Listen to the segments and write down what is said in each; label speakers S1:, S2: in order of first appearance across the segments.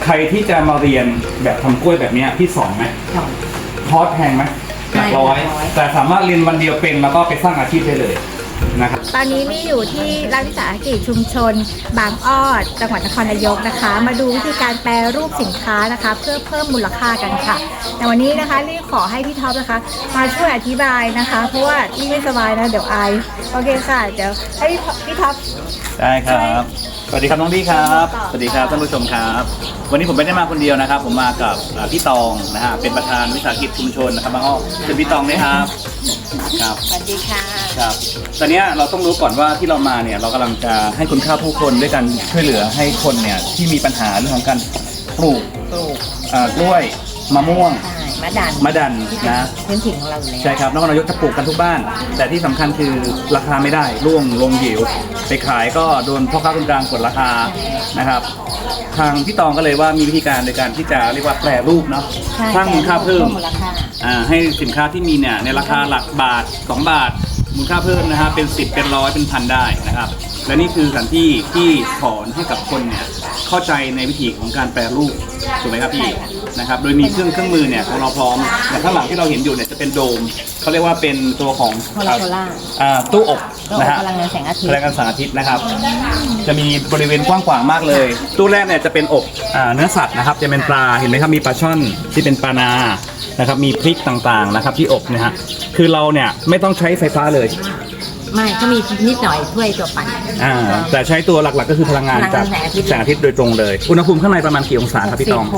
S1: ใครที่จะมาเรียนแบบทำกล้วยแบบนี้พี่สอนไหมคอร์สแพงไหมหลักร้อยแต่สามารถเรียนวันเดียวเป็นแล้วก็ไปสร้างอาชีพได้เลยนะครับ
S2: ตอนนี้มี่อยู่ที่รัฐวิสาหกิจชุมชนบางอ้อจังหวัดนครนายกนะคะมาดูวิธีการแปรรูปสินค้านะคะเพื่อเพิ่มมูลค่ากันค่ะแต่วันนี้นะคะรี่ขอให้พี่ท็อปนะคะมาช่วยอธิบายนะคะเพราะว่ารี่ไม่สบายนะเดี๋ยวไอโอเคค่ะเดี๋ยวให้พี่ท็อป
S1: ได้ครับสวัสดีครับน้องพี่ครับสวัสดีครับท่านผู้ชมครับวันนี้ผมไม่ได้มาคนเดียวนะครับผมมากับพี่ตองนะฮะเป็นประธานวิสาหกิจชุมชนนะครับบางอ้อเป็นพี่ตองนะครับครับ
S2: สวัสดีค่ะ
S1: ครับตอนนี้เราต้องรู้ก่อนว่าที่เรามาเนี่ยเรากำลังจะให้คุณค่าผู้คนด้วยการช่วยเหลือให้คนเนี่ยที่มีปัญหาเรื่องของการปลูกกล้วยมะม่วงมะดันนะ
S2: พื้นถิ่นของเราอยู่แล้ว
S1: ใช่ครับนครนายกจะปลูกกันทุกบ้านแต่ที่สำคัญคือราคาไม่ได้ร่วงลงหิวไปขายก็โดนพ่อค้าคนกลางกดราคานะครับทางพี่ตองก็เลยว่ามีวิธีการในการที่จะเรียกว่าแปรรูปเนาะสร้างมูลค่าเพิ่มให้สินค้าที่มีเนี่ยในราคาหลักบาท2 บาทมูลค่าเพิ่มนะฮะเป็น10เป็น100เป็นพันได้นะครับและนี่คือสถานที่ที่สอนให้กับคนเนี่ยเข้าใจในวิธีของการแปรรูปถูกไหมครับพี่นะครับโดยมีเครื่องมือเนี่ยของเราพร้อมแต่ข้างหลังที่เราเห็นอยู่เนี่ยจะเป็นโดมเขาเรียกว่าเป็นตัวของตู้อบนะฮะ
S2: พลังงานแสงอาทิตย์
S1: นะครับจะมีบริเวณกว้างขวางมากเลยตู้แรกเนี่ยจะเป็นอบเนื้อสัตว์นะครับจะเป็นปลาเห็นไหมครับมีปลาช่อนที่เป็นปลานานะครับมีพริกต่างๆนะครับที่อบนะฮะคือเราเนี่ยไม่ต้องใช้ไฟฟ้าเลย
S2: ไม่ก็มีนิดหน่อยช่วยตัวปั่น
S1: แต่ใช้ตัวหลักๆก็คือพลังงานจากแสงอาทิตย์โดยตรงเลยอุณหภูมิข้างในประมาณกี่องศาครับพี่ตอง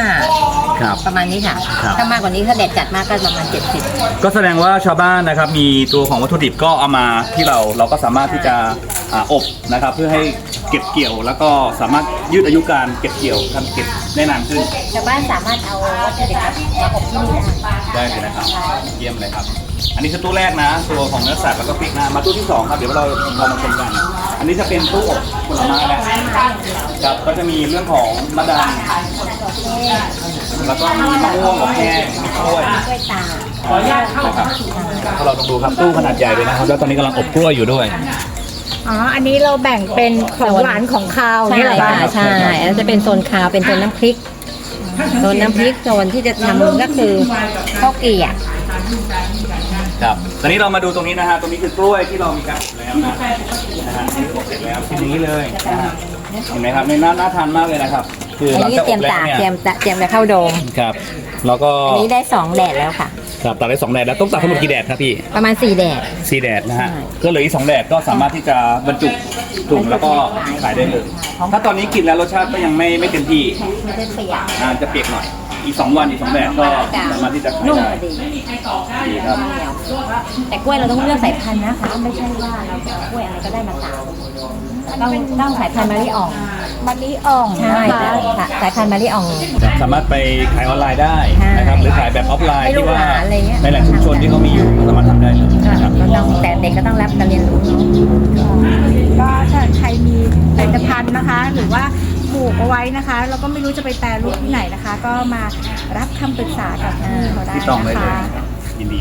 S2: 65ครับประมาณนี้ค่ะถ้ามากกว่านี้ถ้าแดดจัดมากก็ประมาณ70
S1: ก็แสดงว่าชาวบ้านนะครับมีตัวของวัตถุดิบก็เอามาที่เราก็สามารถที่จะอบนะครับเพื่อให้เก็บเกี่ยวแล้วก็สามารถยืดอายุการเก็บเกี่ยวทำเก็บได้นานขึ้น
S2: ชาวบ้านสามารถเอาวัตถุดิบมาอบที่นี่
S1: ได้เลยนะครับเยี่ยมเลยครับอันนี้คือตู้แรกนะตัวของเนื้อสัตว์แล้วก็พริกนะมาตู้ที่2ครับเดี๋ยวเรามาชมกันอันนี้จะเป็นตู้อบผลไม้นะครับก็จะมีเรื่องของมะดันแล้วก็มีมะม่วงกับแห้งมีกล้วย
S2: ตา
S1: ขออนุญาตเข้าครับเราต้องดูครับตู้ขนาดใหญ่เลยนะครับแล้วตอนนี้กำลังอบกล้วยอยู่ด้วย
S2: อันนี้เราแบ่งเป็นของหวานของคาว
S3: นี่แหละค่ะใช่แล้วจะเป็นโซนคาวเป็นโซนน้ำพริกโซนที่จะทำก็คือข้าวเกรี่ย
S1: ครับตอนนี้เรามาดูตรงนี้นะฮะตรงนี้คือกล้วยที่เรามีการอบแล้วนะฮะอบเสร็จแล้วเป็นอย่างนี้เลยเห็นไหมครับน่าทานมากเลยนะครับ
S3: คือหลังจากอบแล้วเนี่ยเตรียมจะเข้าโดม
S1: ครับแล้วก็
S3: อันนี้ได้2แดดแล้วค่ะ
S1: ครับตัดได้2แดดแล้วต้องตัดทั้งหมดกี่แดดครับพี่
S3: ประมาณ4แดด
S1: นะฮะก็เหลืออีก2แดดก็สามารถที่จะบรรจุถุงแล้วก็ขายได้เลยถ้าตอนนี้กินแล้วรสชาติก็ยังไม่เต็มที่จะเปียกหน่อยอีก2 วันอีก2แดดก็สามารถที่จะขายได้ดีครับ
S3: แต่กล้วยเราต้องเลือกสายพันธุ์นะคะไม่ใช่ว่าเราจะกล้วยอะไรก็ได้มาตามต้องสายพันธุ์มะลิอ่องใช่สายพันธุ์มะลิอ่อง
S1: สามารถไปขายออนไลน์ได้นะครับหรือขายแบบออฟไลน์ที่ว่าในแหล่งชุมชนที่เขามีอยู่สามารถทำได้เลย
S3: ครับแต่เด็กก็ต้องรับการเรียนรู้
S2: ก็ถ้าใครมีผลิตภัณฑ์นะคะหรือว่าปลูกเอาไว้นะคะแล้วก็ไม่รู้จะไปแปรรูปที่ไหนนะคะก็มารับคำปรึกษากับเขาได้นะคะ
S1: ยินดี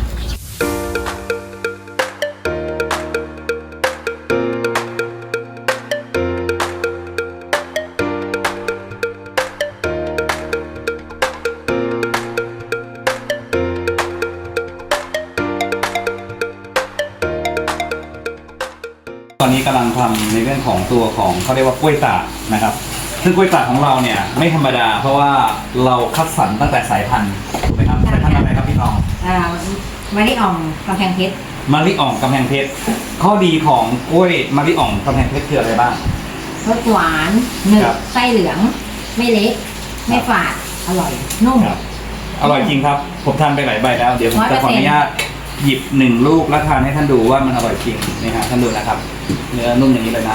S1: ตอนนี้กำลังทำในเรื่องของตัวของเขาเรียกว่ากล้วยตากนะครับซึ่งกล้วยตากของเราเนี่ยไม่ธรรมดาเพราะว่าเราคัดสรรตั้งแต่สายพันธุ์ถูกไหมครับสายพันธุ์อะไรครับพี่ทอง
S3: มะลิอ่องกำแพงเพชร
S1: ข้อดีของกล้วยมะลิอ่องกำแพงเพชรคืออะไรบ้าง
S3: รสหวานหนึบไส้เหลืองไม่เละไม่ฝาดอร่อยนุ่ม
S1: อร่อยจริงครับผมทานไปหลายใบแล้วเดี๋ยวผมจะขออนุญาตหยิบ1 ลูกแล้วทานให้ท่านดูว่ามันอร่อยจริงนี่ฮะท่านดูนะครับเนื้อนุ่มอย่างนี้เลยนะ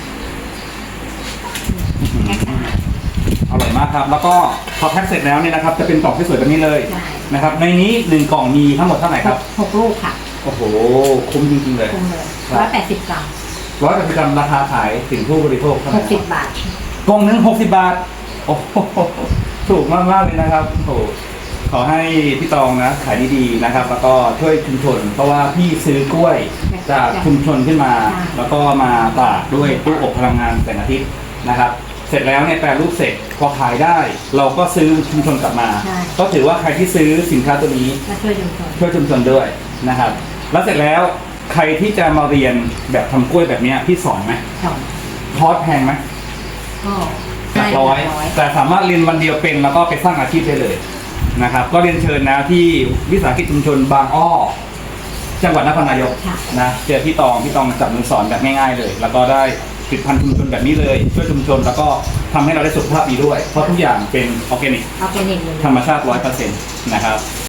S1: อร่อยมากครับแล้วก็พอแพ็คเสร็จแล้วเนี่ยนะครับจะเป็นกล่องที่สวยแบบนี้เลยนะครับในนี้1 กล่องมีทั้งหมดเท่าไหร่ครับ
S3: 6 ลูกค่ะ
S1: โอ้โหคุ้มจริงๆเลย
S3: 180 กรัม
S1: 180 กรัมราคาขายถึงผู้บริโภคเท่าไหร่
S3: 60 บาท
S1: กล่องนึง60 บาทโอ้โหถูกมากๆเลยนะครับโอ้ขอให้พี่ตองนะขายดีๆนะครับแล้วก็ช่วยชุมชนเพราะว่าพี่ซื้อกล้วยจากชุมชนขึ้นมาแล้วก็มาตากด้วยตู้อบพลังงานแสงอาทิตย์นะครับเสร็จแล้วเนี่ยแปรรูปเสร็จพอขายได้ เราก็ซื้อชุมชนกลับมา
S3: ใช่
S1: ก็ถือว่าใครที่ซื้อสินค้าตัวนี้
S3: มาช่วยชุมชน
S1: ช่วยชุมชนด้วยนะครับ แล้วเสร็จแล้วใครที่จะมาเรียนแบบทำกล้วยแบบเนี้ยพี่สอนไหม
S3: สอง
S1: คอร์สแพงไหม
S3: ก็
S1: หลักร้อยแต่สามารถเรียนวันเดียวเป็นแล้วก็ไปสร้างอาชีพได้เลยนะครับ ก็เรียนเชิญนะที่วิสาหกิจชุมชนบางอ้อจังหวัดนครนายกนะเจอพี่ตองจับมือสอนแบบง่ายๆเลย แล้วก็ได้ผลิตภัณฑ์ชุมชนแบบนี้เลยช่วยชุมชนแล้วก็ทำให้เราได้สุขภาพดีด้วย เพราะทุกอย่างเป็นออร์แกนิก
S3: ออร์แกนิกเลย
S1: ธรรมชาติ 100% นะครับ